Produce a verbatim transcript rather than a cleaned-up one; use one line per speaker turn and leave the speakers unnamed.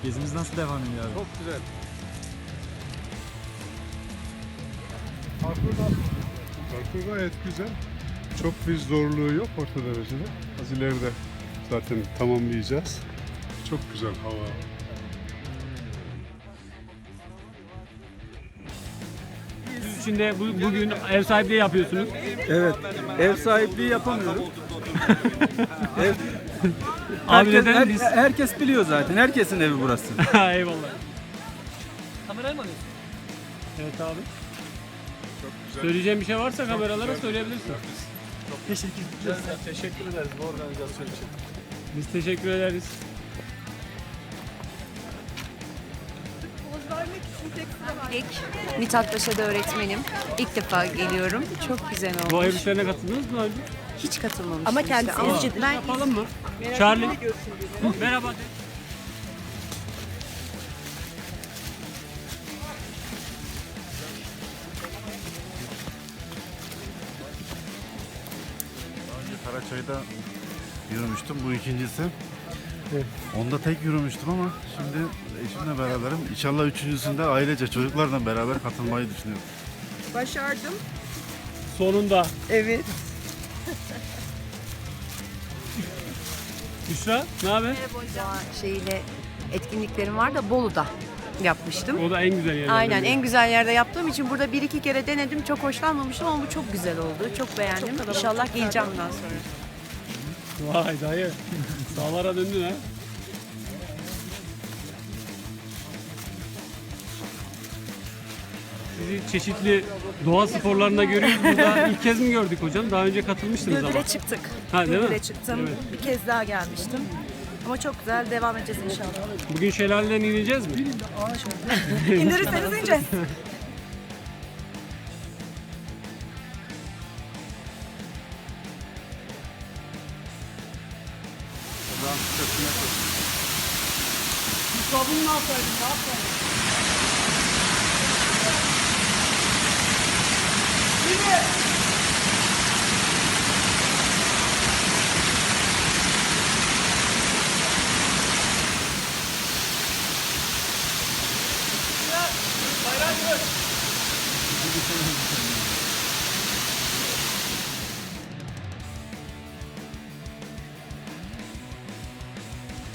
Gezimiz nasıl devam ediyor abi?
Çok güzel.
Parkur gayet güzel. Çok bir zorluğu yok orta derecede. Az ileride zaten tamamlayacağız. Çok güzel hava.
Siz içinde bu, bugün ev sahipliği yapıyorsunuz.
Evet. Ev sahipliği yapamıyorum. Ev...
Abi
herkes,
neden
her-
biz?
herkes biliyor zaten. Herkesin evi burası.
Eyvallah. Kamerayı mı alıyorsun? Evet abi.
Çok güzel.
Söyleyeceğim bir şey varsa kameralara söyleyebilirsin.
Teşekkür ederiz bu organizasyon için.
Biz teşekkür ederiz.
İlk Mithat Paşa'da öğretmenim. İlk defa geliyorum. Çok güzel
Bu
olmuş.
ev işlerine katıldınız mı önce?
Hiç katılmamıştım.
Ama
işte.
kendisi
Ama
izci.
ben
Yapalım mı? Charlie. Merhaba de.
Karaçay'da yürümüştüm. Bu ikincisi. Onda tek yürümüştüm ama şimdi eşimle beraberim. İnşallah üçüncüsünde ailece çocuklarla beraber katılmayı düşünüyorum.
Başardım.
Sonunda.
Evet.
Büşra ne haber?
doğa şeyiyle etkinliklerim var da Bolu'da yapmıştım.
O da en güzel yerlerden
Aynen
biri.
en güzel yerde yaptığım için burada bir iki kere denedim. Çok hoşlanmamıştım ama bu çok güzel oldu. Çok beğendim. İnşallah geleceğim bundan sonra.
Vay dayı. Sağlara döndün ha. Sizi çeşitli doğa sporlarında görüyoruz. Burada ilk kez mi gördük hocam? Daha önce katılmıştınız ama.
Gölgüre çıktık.
Ha, değil mi?
Gölgüre çıktım.
Evet.
Bir kez daha gelmiştim. Ama çok güzel. Devam edeceğiz inşallah.
Bugün şelaleden ineceğiz mi?
İndirirseniz ineceğiz.
Sabunu ne yapsaydın? Ne yapsaydın?
Bayram